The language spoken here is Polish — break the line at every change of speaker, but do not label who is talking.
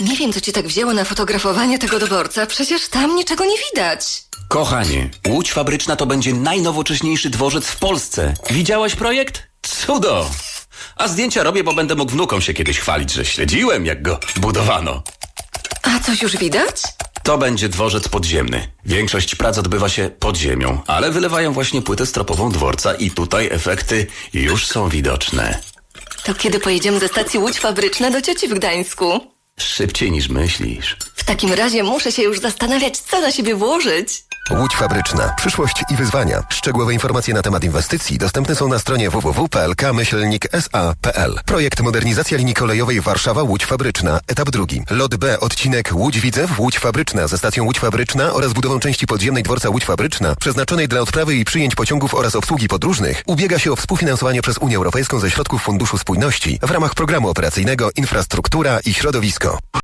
Nie wiem, co cię tak wzięło na fotografowanie tego dworca. Przecież tam niczego nie widać.
Kochanie, Łódź Fabryczna to będzie najnowocześniejszy dworzec w Polsce. Widziałaś projekt? Cudo! A zdjęcia robię, bo będę mógł wnukom się kiedyś chwalić, że śledziłem, jak go budowano.
A coś już widać?
To będzie dworzec podziemny. Większość prac odbywa się pod ziemią, ale wylewają właśnie płytę stropową dworca i tutaj efekty już są widoczne.
To kiedy pojedziemy ze stacji Łódź Fabryczna do cioci w Gdańsku?
Szybciej niż myślisz.
W takim razie muszę się już zastanawiać, co na siebie włożyć.
Łódź Fabryczna. Przyszłość i wyzwania. Szczegółowe informacje na temat inwestycji dostępne są na stronie www.plk-sa.pl. Projekt modernizacja linii kolejowej Warszawa-Łódź Fabryczna. Etap 2. Lot B. Odcinek Łódź-Widzew, Łódź Fabryczna ze stacją Łódź Fabryczna oraz budową części podziemnej dworca Łódź Fabryczna przeznaczonej dla odprawy i przyjęć pociągów oraz obsługi podróżnych ubiega się o współfinansowanie przez Unię Europejską ze środków Funduszu Spójności w ramach Programu Operacyjnego Infrastruktura i Środowisko.